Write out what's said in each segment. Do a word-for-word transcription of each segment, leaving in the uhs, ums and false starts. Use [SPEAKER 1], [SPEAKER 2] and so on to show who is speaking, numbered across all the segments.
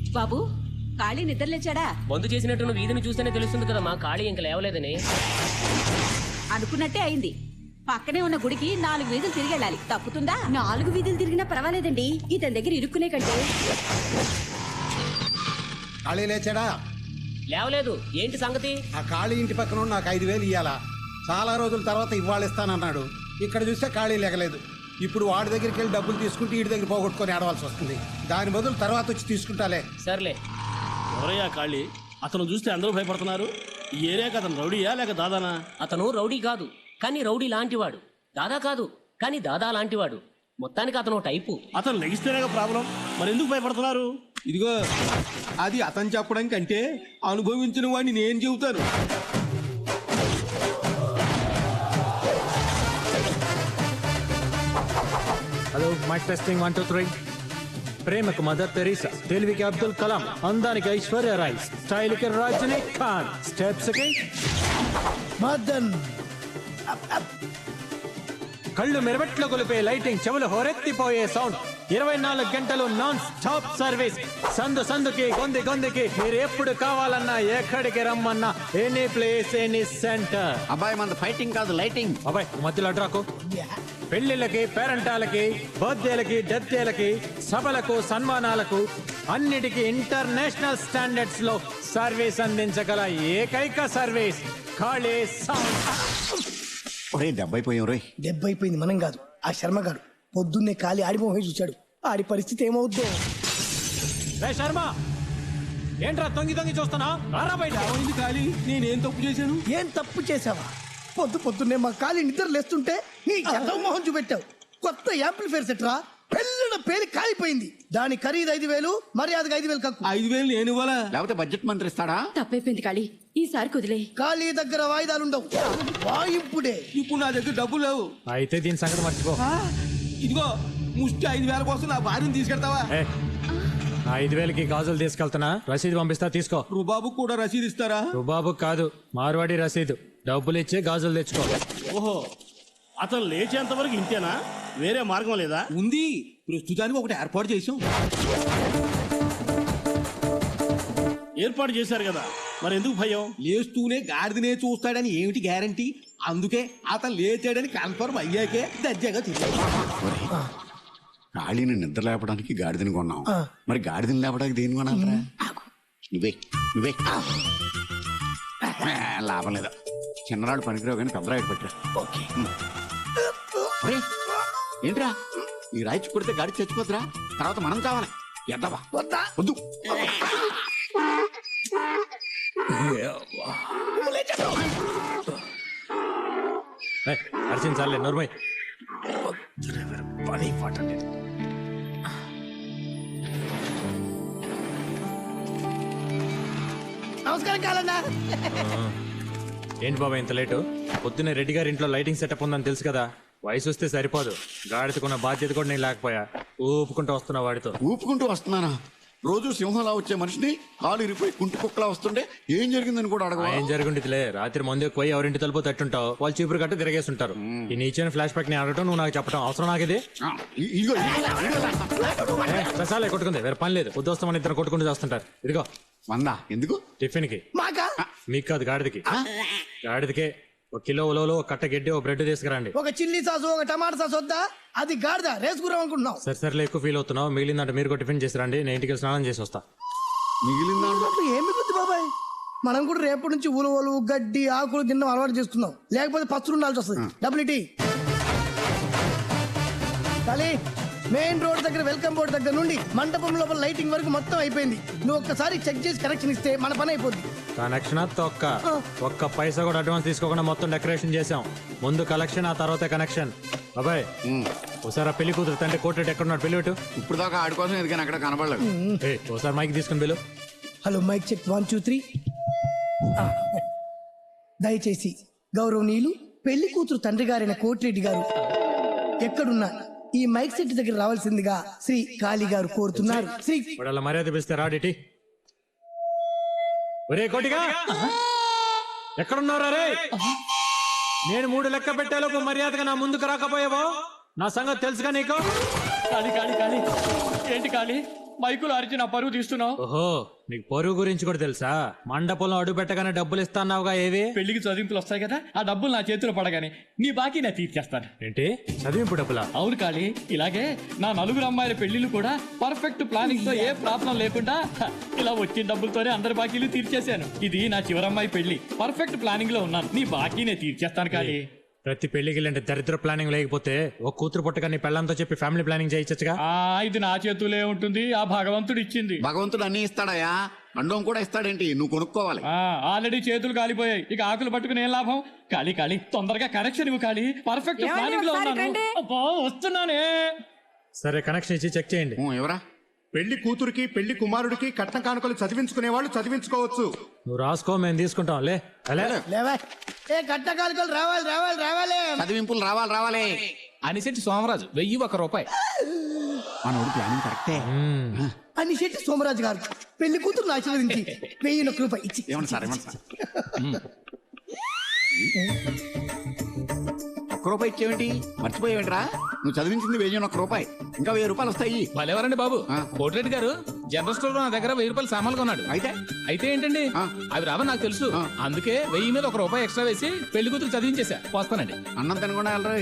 [SPEAKER 1] బాబు ఖాళీ నిద్రలేచాడా?
[SPEAKER 2] మందు చేసినట్టు వీధిని చూస్తేనే తెలుస్తుంది కదా మా ఖాళీ ఇంకా లేవలేదని.
[SPEAKER 1] అనుకున్నట్టే అయింది. పక్కనే ఉన్న గుడికి నాలుగు వీధులు తిరిగి వెళ్ళాలి. తప్పుతుందా?
[SPEAKER 3] నాలుగు వీధులు తిరిగినా పర్వాలేదండి, ఇతని దగ్గర ఇరుక్కునే కంటే.
[SPEAKER 4] ఖాళీ లేచాడా?
[SPEAKER 2] లేవలేదు. ఏంటి సంగతి?
[SPEAKER 4] ఆ ఖాళీ ఇంటి పక్కన నాకు ఐదు వేలు ఇవ్వాలా? చాలా రోజుల తర్వాత ఇవాళ ఇస్తానన్నాడు. ఇక్కడ చూస్తే ఖాళీ లేగలేదు. ఇప్పుడు వాడి దగ్గరికి వెళ్ళి డబ్బులు తీసుకుంటే వీడి దగ్గర పోగొట్టుకొని ఆడవలసి వస్తుంది. దాని బదులు తర్వాత వచ్చి తీసుకుంటాలే.
[SPEAKER 2] సర్లే.
[SPEAKER 5] ఎవరయ్యా ఖాళీ? అతను చూస్తే అందరూ భయపడుతున్నారు. ఈ ఏరియాకి అతను రౌడీయా లేక దాదానా?
[SPEAKER 2] అతను రౌడీ కాదు, కానీ రౌడీ లాంటివాడు. దాదా కాదు, కానీ దాదా లాంటివాడు. మొత్తానికి అతను టైపు.
[SPEAKER 5] అతను లెగిస్తేనే ప్రాబ్లం. మరి ఎందుకు భయపడుతున్నారు?
[SPEAKER 6] ఇదిగో, అది అతను చెప్పడం కంటే అనుభవించిన వాడిని నేను చెబుతాను.
[SPEAKER 7] Hello, mike testing one two three. ప్రేమకు మదర్ తెరీసా, తెలివికి అబ్దుల్ కలాం, అందానికి ఐశ్వర్య రాయ్, స్టైల్ కి రజనీకాంత్, స్టెప్స్ కి మదన్, కళ్ళు మెరబెట్లో కొలిపే లైటింగ్, చెవులు హోరెత్తిపోయే సౌండ్, ఇరవై నాలుగు గంటలు నాన్ స్టాప్ సర్వీస్. సందు సందుకి గొంది గొందికి మీరు ఎప్పుడు కావాలన్నా ఎక్కడికి రమ్మన్నా ఎనీ ప్లేస్ ఎనీ సెంటర్.
[SPEAKER 8] అబ్బాయి మన ఫైటింగ్ కాదు లైటింగ్.
[SPEAKER 7] అబ్బాయి మధ్యలో అడ్రాకు. పెళ్లిళ్ళకి, పేరెంటాలకి, బర్త్డేలకి, డెత్డేలకి, సభలకు, సన్మానాలకు అన్నిటికీ ఇంటర్నేషనల్ స్టాండర్డ్స్ లో సర్వీస్ అందించగల ఏకైక సర్వీస్ ఖాళీ సౌండ్.
[SPEAKER 8] ఒరే దెబ్బైపోయాం రోయ్.
[SPEAKER 9] దెబ్బైపోయింది మనం కాదు, ఆ శర్మ గారు పొద్దున్నే ఖాళీ ఆడిపోయి చూశాడు. ఆడి పరిస్థితి ఏమవుద్దో.
[SPEAKER 7] రే శర్మ, ఏంట్రా తొంగి తొంగి చూస్తున్నా? రారా బయట.
[SPEAKER 6] ఖాళీ, నేనేం తప్పు చేశాను?
[SPEAKER 9] ఏం తప్పు చేసావా? పొద్దు పొద్దున్నే మా ఖాళీ నిద్ర లేస్తుంటే నీ ఎదవ మొహం చూపెట్టావు. కొత్త యాంప్లిఫైర్ సెట్రా, పెళ్ళిన పేరు కాలిపోయింది. దాని ఖరీదు ఐదు వేలు, మర్యాదగా ఐదు వేలు కక్కు.
[SPEAKER 6] ఐదు వేలు నేను ఇవ్వాలా?
[SPEAKER 8] లేకపోతే బడ్జెట్ మంత్రి ఇస్తాడా?
[SPEAKER 3] తప్పైపోయింది ఖాళీ, ఈసారి కుదిలే.
[SPEAKER 9] ఖాళీ దగ్గర వాయిదాలుండవు, వాయింపుడే.
[SPEAKER 6] ఇప్పుడు నా దగ్గర డబ్బులు లేవు.
[SPEAKER 7] అయితే దీని సంగతి మర్చిపో.
[SPEAKER 6] ఇదిగో, ముష్టి ఐదు వేల కోసం నా భార్యను తీసుకెళ్తావా?
[SPEAKER 7] ఏ, నా ఐదు వేలకి గాజులు తీసుకెళ్తున్నా, రసీదు పంపిస్తా తీసుకో.
[SPEAKER 6] రుబాబు కూడా రసీదు ఇస్తారా?
[SPEAKER 7] రుబాబు కాదు, మార్వాడి రసీదు. డబ్బులు ఇచ్చి గాజులు తెచ్చుకో.
[SPEAKER 5] ఓహో, అతను లేచేంత వరకు ఇంతేనా? వేరే మార్గం లేదా?
[SPEAKER 6] ఉంది, ప్రస్తుతానికి ఒకటి ఏర్పాటు చేసాం.
[SPEAKER 5] ఏర్పాటు చేశారు కదా, మరి ఎందుకు భయం?
[SPEAKER 6] లేస్తూనే గాడిదనే చూస్తాడని ఏమిటి గ్యారంటీ? అందుకే అతను లేచాడని కన్ఫర్మ్ అయ్యాకే దర్జాగా తిరిగి.
[SPEAKER 8] ఖాళీని నిద్ర లేపడానికి గాడిదని కొన్నాం, మరి గాడిదని లేపడానికి దేని కొనాలరా? నువ్వే నువ్వే లాభం లేదా. చిన్నరాడు పనికిరావు కానీ పెద్దరాడు పట్టరా. ఓకే. ఏంట్రా, ఈ రాయిచి కొడితే గాడి చచ్చిపోతురా, తర్వాత మనం కావాలి. ఎద్దవా వద్దు.
[SPEAKER 7] అర్చింది చాలే, నోర్మై.
[SPEAKER 5] పని పాట లేదు.
[SPEAKER 9] నమస్కారం కాలన్నా.
[SPEAKER 7] ఏంటి బాబా ఇంత లేటు? పొద్దున్నే రెడ్డి గారి ఇంట్లో లైటింగ్ సెటప్ ఉందని తెలుసు కదా. వయసు వస్తే సరిపోదు, గాడిదకున్న బాధ్యత కూడా నేను లేకపోయా. ఊపుకుంటూ వస్తున్నా వాడితో.
[SPEAKER 8] ఊపుకుంటూ వస్తున్నానా? రోజు సింహంలా వచ్చే మనిషిని కాలు ఇరిపోయి కుంటి కుక్కలా వస్తుంటే ఏం జరిగిందని కూడా అడగ.
[SPEAKER 7] ఏం జరుగుంటుందిలే, రాత్రి మందు ఎక్కువ ఎవరింటి తలుపు తట్టుంటావు, వాళ్ళు చీపురు కట్ట తిరిగేస్తుంటారు. ఈ నీచైన ఫ్లాష్ బ్యాక్ ని అడగటం, నువ్వు నాకు చెప్పడం అవసరం నాకు ఇది. చాలే కొట్టుకుంది, వేరే పని లేదు. పొద్దు వస్తామని ఇద్దరు కొట్టుకుంటూ చేస్తుంటారు. ఇదిగో
[SPEAKER 8] వందా ఎందుకు?
[SPEAKER 7] టిఫిన్ కి. మీకు కాదు, గాడిదకి. గాడిదకే ఒక కిలో ఉలవలు, ఒక కట్ట గడ్డి, ఒక బ్రెడ్ తీసుకురండి.
[SPEAKER 9] ఒక చిల్లీ సాసు, ఒక టమాటా సాసు వద్దా? అది గాడిద రేసుకురాం అనుకుంటున్నావు.
[SPEAKER 7] సరే సరేలే, ఎక్కువ ఫీల్ అవుతున్నావు. మిగిలిందంటే మీరు కూడా టిఫిన్ చేసి రండి, నేను ఇంటికి స్నానం చేసి వస్తా.
[SPEAKER 8] మిగిలిందా?
[SPEAKER 9] ఏమి గుర్తు బాబాయ్, మనం కూడా రేపటి నుంచి ఉలవలు, గడ్డి, ఆకులు తినడం అలవాటు చేస్తున్నాం. లేకపోతే పస్తులు ఉండాల్సి వస్తుంది. డబ్బులు ఇటీ. కానీ మెయిన్ రోడ్ దగ్గర వెల్కమ్ బోర్డు దగ్గర నుండి మండపం లోపల లైటింగ్ వరకు మొత్తం అయిపోయింది. నువ్వు ఒక్కసారి చెక్ చేసి కనెక్షన్ ఇస్తే మన పని అయిపోద్ది.
[SPEAKER 7] కనెక్షన్ తొక్క, ఒక్క పైసా కూడా అడ్వాన్స్ తీసుకోకుండా మొత్తం డెకరేషన్ చేసాం. ముందు కలెక్షన్, ఆ తర్వాత కనెక్షన్. అబ్బాయి ఒకసారి పెళ్లి కూతురు తండ్రి కోర్టు ఎక్కడున్నాడు, పెళ్లి పెట్టు.
[SPEAKER 8] ఇప్పుడు దాకా ఆడి కోసం ఎదిగాను, అక్కడ కనబడలేదు.
[SPEAKER 7] ఒకసారి మైక్ తీసుకుని పిలు.
[SPEAKER 9] Hello mike check one two three. దయచేసి గౌరవనీయులు పెళ్లి కూతురు తండ్రి గారైన కోటిరెడ్డి గారు ఎక్కడున్నా ఈ మైక్ సెట్ దగ్గర రావాల్సిందిగా శ్రీ కాళీ గారు కోరుతున్నారు. శ్రీ
[SPEAKER 7] వాళ్ళ మర్యాద పిలిస్తే రాడిటి. ఒరే కోటిగా, ఎక్కడున్నారా రే? నేను మూడు లెక్క పెట్టేలోపు మర్యాదగా నా ముందుకు రాకపోయావో నా సంగతి తెలుసుగా నీకు.
[SPEAKER 2] కాళీ కాళీ కాళీ ఏంటి కాళీ,
[SPEAKER 10] మైకులు అరిచి నా పరువు తీస్తున్నావు?
[SPEAKER 7] ఓహో నీకు పొరుగు గురించి కూడా తెలుసా? మండపంలో అడుగు పెట్టగానే డబ్బులు ఇస్తాన్నావుగా, ఏవి?
[SPEAKER 10] పెళ్లికి చదింపులు వస్తాయి కదా, ఆ డబ్బులు నా చేతిలో పడగానే నీ బాకీ నేను తీర్చేస్తాను.
[SPEAKER 7] ఏంటి చదివింపు డబ్బులా?
[SPEAKER 10] అవును కాళీ, ఇలాగే నా నలుగురు అమ్మాయిల పెళ్లిళ్ళు కూడా పర్ఫెక్ట్ ప్లానింగ్ తో ఏ ప్రాబ్లం లేకుండా హ, ఇలా వచ్చిన డబ్బులతోనే అందరి బాకీలు తీర్చేశాను. ఇది నా చివరమ్మాయి పెళ్లి, పర్ఫెక్ట్ ప్లానింగ్ లో ఉన్నాను. నీ బాకీ నేను తీర్చేస్తాను కాళీ.
[SPEAKER 7] ప్రతి పెళ్లికి అంటే దరిద్ర ప్లానింగ్ లేకపోతే ఒక కూతురు పుట్టగా నీ పెళ్ళంతో చెప్పి ఫ్యామిలీ ప్లానింగ్ చేయొచ్చుగా.
[SPEAKER 10] ఆ ఇది నా చేతులే ఉంటుంది, ఆ భగవంతుడు ఇచ్చింది.
[SPEAKER 8] భగవంతుడు అన్ని ఇస్తాడయా, అండం కూడా ఇస్తాడేంటి, నువ్వు కొనుక్కోవాలి.
[SPEAKER 10] ఆ ఆల్రెడీ చేతులు కాలిపోయాయి, ఇక ఆకులు పట్టుకుని ఏం లాభం? కాళీ కాళీ తొందరగా కనెక్షన్ ఇవ్వు కాళీ, పర్ఫెక్ట్ ప్లానింగ్ లో ఉన్నాను. అబ్బా, వస్తున్నానే.
[SPEAKER 7] సరే కనెక్షన్ ఇచ్చి చెక్ చేయండి.
[SPEAKER 8] ఊ, ఎవరా?
[SPEAKER 4] పెళ్లి కూతురికి పెళ్లి కుమారుడికి కట్న కానుకలు చదివించుకునే వాళ్ళు చదివించుకోవచ్చు.
[SPEAKER 7] నువ్వు రాసుకో, మేము తీసుకుంటాం. లే అలే
[SPEAKER 9] లేవా ఏ కట్టకాలికలు రావాలి రావాలి రావాలి.
[SPEAKER 8] చదివింపులు రావాలి రావాలి.
[SPEAKER 10] అనిశెట్టి సోమరాజు వెయ్యి ఒక రూపాయి.
[SPEAKER 8] మనోడు ప్లానింగ్ కరెక్టే.
[SPEAKER 9] అని శెట్టి సోమరాజు గారు పెళ్లి కూతురు ఆశీర్వదించి వెయ్యి ఒక్క రూపాయి ఇచ్చి.
[SPEAKER 8] ఏమన్నా సార్ ఏమన్నా సార్ ఒక్క రూపాయి ఇచ్చేవేంటి, మర్చిపోయేవేంట్రా? నువ్వు చదివించింది వెయ్యి ఒక్క రూపాయి, ఇంకా వెయ్యి రూపాయలు వస్తాయి.
[SPEAKER 10] భలేవారండి బాబు. కోటిరెడ్డి గారు జనరల్ స్టోర్ లో నా దగ్గర వెయ్యి రూపాయలు సామాన్లు కొన్నాడు.
[SPEAKER 8] అయితే
[SPEAKER 10] అయితే ఏంటండి, అవి రావని నాకు తెలుసు, అందుకే వెయ్యి మీద ఒక రూపాయి ఎక్స్ట్రా వేసి పెళ్లి కూతురు చదివించేసా. వస్తానండి.
[SPEAKER 8] అన్నం తినకుండా వెళ్ళరా.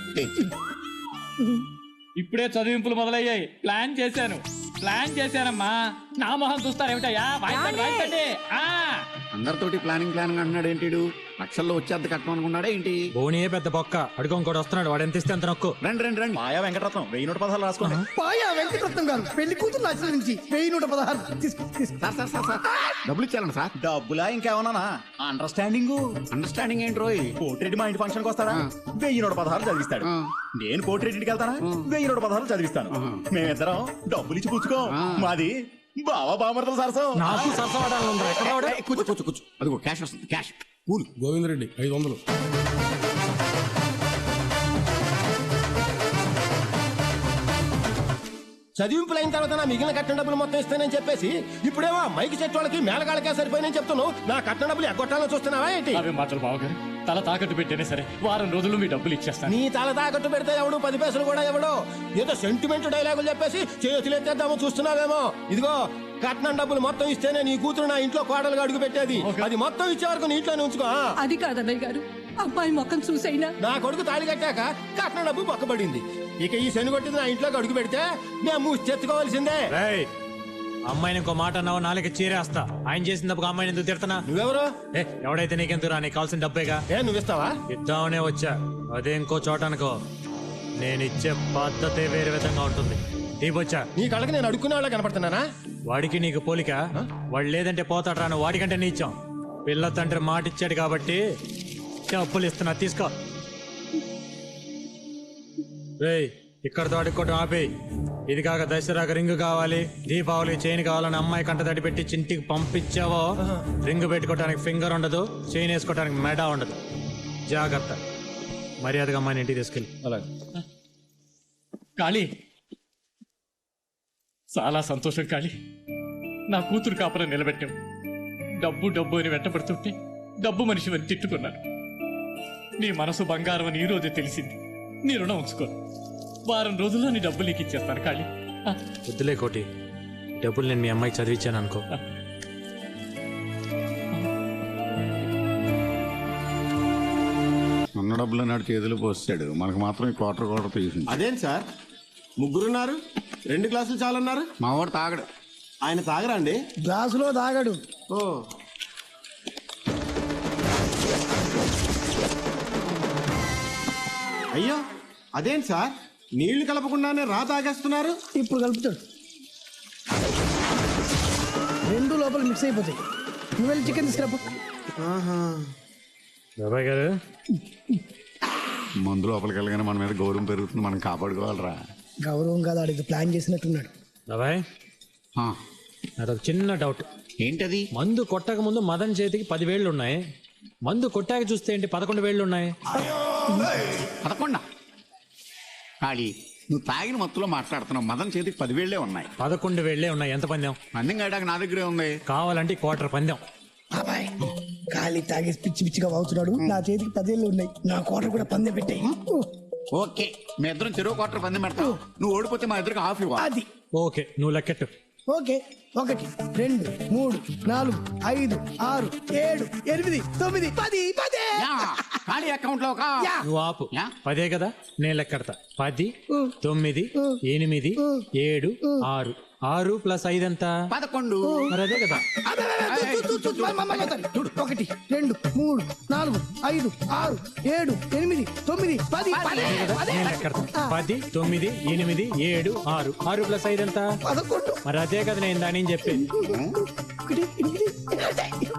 [SPEAKER 10] ఇప్పుడే చదివింపులు మొదలయ్యాయి. ప్లాన్ చేశాను ప్లాన్ చేశానమ్మా. నా మొహం చూస్తారేమిటయ్యా? వాయించండి, వాయించండి. ఆ
[SPEAKER 8] అందరితోటి ప్లానింగ్ ప్లానింగ్ అంటున్నాడు ఏంటి? లక్షల్లో వచ్చేది కట్టం అనుకున్నాడా ఏంటి?
[SPEAKER 7] బోనియే పెద్ద బొక్క, అడుగు ఇంకోటి వస్తున్నాడు, వాడు ఎంత ఇస్తే అంత నొక్కు.
[SPEAKER 8] రండి రండి రండి.
[SPEAKER 5] మాయా వెంకటరత్నం వెయ్యి నూట పదహారు రాసుకోండి.
[SPEAKER 9] పాయా వెంకటరత్నం గారు పెళ్లి కూతురు ఆశీర్వదించి వెయ్యి నూట పదహారు తీసుకో తీసుకో.
[SPEAKER 8] సార్ సార్ సార్ సార్ డబ్బులు ఇచ్చారండి సార్.
[SPEAKER 5] డబ్బులా ఇంకేమన్నా? అండర్స్టాండింగ్
[SPEAKER 8] అండర్స్టాండింగ్ ఏంటి రోయ్?
[SPEAKER 5] కోటిరెడ్డి మా ఇంటి ఫంక్షన్ కి వస్తాడా, వెయ్యి నూట పదహారు చదివిస్తాడు. నేను కోటిరెడ్డికి వెళ్తానా, వెయ్యి నూట పదహారు చదివిస్తాను. మేమిద్దరం డబ్బులు ఇచ్చి పుచ్చుకో. మాది బావా బామర్తల సరసం.
[SPEAKER 7] నాకు సరసవాడాలి ఉందా? ఎక్కడ వాడు?
[SPEAKER 8] ఏయ్, కూర్చో కూర్చో కూర్చో. అదిగో క్యాష్ వస్తుంది, క్యాష్. కూల్.
[SPEAKER 4] గోవిందరెడ్డి ఐదు వందలు.
[SPEAKER 11] చదివింపులు అయిన తర్వాత నా మిగిలిన కట్టిన డబ్బులు మొత్తం ఇస్తానని చెప్పేసి ఇప్పుడేమో మైకి చెట్టు వాళ్ళకి మేళగాళ్ళకే సరిపోయినని చెప్తున్నావు. నా కట్టిన డబ్బులు ఎగ్గొట్టాలని చూస్తున్నావా ఏంటి?
[SPEAKER 10] అవే మాటలు బావగారు. తల తాకట్టు పెట్టేనే సరే వారం రోజులు మీ డబ్బులు ఇచ్చేస్తాను.
[SPEAKER 11] నీ తల తాకట్టు పెడితే ఎవడు పది పైసలు కూడా ఎవడో ఏదో సెంటిమెంట్ డైలాగులు చెప్పేసి చేతులు ఎత్తేద్దామో చూస్తున్నావేమో. ఇదిగో కట్నం డబ్బులు మొత్తం ఇస్తేనే నీ కూతురు నా ఇంట్లో కోడలుగా అడుగు పెట్టేది. అది మొత్తం ఇచ్చే వరకు నీ ఇంట్లోనే ఉంచుకో.
[SPEAKER 1] అది కాదన్నయ్య గారు, అబ్బాయి మొక్కం చూసైనా
[SPEAKER 11] నా కొడుకు తాళి కట్టాక కట్నం డబ్బు పక్కబడింది. ఇక ఈ శని కొట్టింది నా ఇంట్లోకి అడుగు పెడితే మేము మూచెత్తుకోవాల్సిందే.
[SPEAKER 7] రేయ్, అమ్మాయిని ఇంకో మాట అన్నావు నాలుగు చీరేస్తా. ఆయన చేసిన తప్పుకు అమ్మాయిని ఎందుకు తిడతానా?
[SPEAKER 11] నువ్వెవరు?
[SPEAKER 7] ఏ ఎవడైతే నీకెందుకు, నీకు కావాల్సిన డబ్బేగా.
[SPEAKER 11] ఏ నువ్విస్తావా?
[SPEAKER 7] ఇద్దామనే వచ్చా, అదే ఇంకో చోట అనుకో. నేను ఇచ్చే పద్ధతే వేరే విధంగా ఉంటుంది. ఇవ్వచ్చా?
[SPEAKER 11] నీ కళ్ళకి నేను అడుక్కునే వాళ్ళ కనపడుతున్నానా?
[SPEAKER 7] వాడికి నీకు పోలిక. వాడు లేదంటే పోతాడు రాను, వాడికంటే నీచాం. పిల్ల తండ్రి మాట ఇచ్చాడు కాబట్టి డబ్బులు ఇస్తున్నా, తీసుకో. రేయ్, ఇక్కడ తోడుకోవటం ఆపి. ఇది కాక దసరాకు రింగు కావాలి, దీపావళి చైన్ కావాలని అమ్మాయి కంట తడి పెట్టి చింటికి పంపించావో రింగు పెట్టుకోవడానికి ఫింగర్ ఉండదు, చైన్ వేసుకోవడానికి మెడ ఉండదు. జాగ్రత్త. మర్యాదగా అమ్మాయిని ఇంటికి తీసుకెళ్ళి.
[SPEAKER 11] అలాగే.
[SPEAKER 10] కాళీ, చాలా సంతోషం కాళీ. నా కూతురు కాపురం నిలబెట్టాం. డబ్బు డబ్బు అని వెంటబడుతుంటే డబ్బు మనిషి అని తిట్టుకున్నాను. నీ మనసు బంగారం అని ఈ రోజే తెలిసింది. నీ రుణం ఉంచుకో. వారం రోజుల్లో నీ డబ్బు నీకు ఇచ్చేస్తాను కాళీ.
[SPEAKER 7] వద్దులే కోటి, డబ్బులు నేను మీ అమ్మాయికి చదివించాను అనుకో.
[SPEAKER 8] ఉన్న డబ్బులు నాడు చేతులు పోస్తాడు, మనకు మాత్రం ఈ క్వార్టర్ క్వార్టర్ తీసింది.
[SPEAKER 5] అదేంటి సార్, ముగ్గురున్నారు, రెండు గ్లాసులు చాలన్నారు.
[SPEAKER 8] మా వాడు తాగడు.
[SPEAKER 5] ఆయన తాగరా అండి?
[SPEAKER 9] గ్లాసులో తాగడు.
[SPEAKER 5] ఓ అయ్యో, అదేంటి సార్, నీళ్లు కలపకుండానే రా తాగేస్తున్నారు.
[SPEAKER 9] ఇప్పుడు కలుపుతాడు, రెండు లోపల మిక్స్ అయిపోతాయి. నువ్వు వెళ్ళి చికెన్ తీసుకురాపో.
[SPEAKER 7] బాబాయ్ గారు,
[SPEAKER 8] మందు లోపలికి వెళ్ళగానే మన మీద గౌరవం పెరుగుతుంది, మనం కాపాడుకోవాలరా.
[SPEAKER 9] గౌరవం కాదు, ఆడికి ప్లాన్ చేసినట్టున్నాడు.
[SPEAKER 7] బాబాయ్
[SPEAKER 8] ఆ,
[SPEAKER 7] నాదొక చిన్న డౌట్.
[SPEAKER 8] ఏంటది?
[SPEAKER 7] మందు కొట్టక ముందు మదన్ చేతికి పది వేళ్లు ఉన్నాయి, మందు కొట్టాక చూస్తే ఏంటి పదకొండు వేళ్లు ఉన్నాయి?
[SPEAKER 8] పదకొండా? ఖాళీ, నువ్వు తాగిన మత్తులో మాట్లాడుతున్నావు. మదన్ చేతికి పదివేళ్లే ఉన్నాయి.
[SPEAKER 7] పదకొండు వేళ్లే ఉన్నాయి. ఎంత పందెం?
[SPEAKER 8] పందెం కాయడానికి నా దగ్గరే ఉంది.
[SPEAKER 7] కావాలంటే క్వార్టర్ పందెం.
[SPEAKER 9] బాబాయ్ ఖాళీ తాగేసి పిచ్చి పిచ్చిగా వాగుతున్నాడు. నా చేతికి పదేళ్ళు ఉన్నాయి, నా కోట కూడా పందె పెట్టాయి.
[SPEAKER 8] ఓకే, మీ ఇద్దరం చెరువు క్వార్టర్ పందెం పెడతావు. నువ్వు ఓడిపోతే మా ఇద్దరికి హాఫ్ ఇవ్వాలి.
[SPEAKER 9] అది
[SPEAKER 7] ఓకే, నువ్వు లెక్కెట్టు.
[SPEAKER 9] ఓకే ఒకటి రెండు మూడు నాలుగు ఐదు ఆరు ఏడు ఎనిమిది తొమ్మిది పది పదే
[SPEAKER 8] యా, ఖాళీ అకౌంట్ లో ఒక
[SPEAKER 9] యా.
[SPEAKER 7] నువ్వు ఆపు
[SPEAKER 8] యా.
[SPEAKER 7] పదే కదా నేను లెక్కడతా పది తొమ్మిది ఎనిమిది ఏడు ఆరు ఆరు ప్లస్ ఐదు ఎంత
[SPEAKER 8] పదకొండు.
[SPEAKER 7] మరి అదే కదా
[SPEAKER 9] అబ్బే, అబ్బే, అబ్బే, చూ, చూ, చూ, చూ, మ- మ- మ- చూడు, చూడు. ఒకటి రెండు మూడు నాలుగు ఐదు ఆరు ఏడు ఎనిమిది తొమ్మిది పది పదే పదే.
[SPEAKER 7] నేను లెక్కడతా పది తొమ్మిది ఎనిమిది ఏడు ఆరు ఆరు ప్లస్ ఐదు ఎంత
[SPEAKER 9] పదకొండు
[SPEAKER 7] మరి అదే కదా నేను దాని చెప్పేది
[SPEAKER 9] ఒకటి ఎనిమిది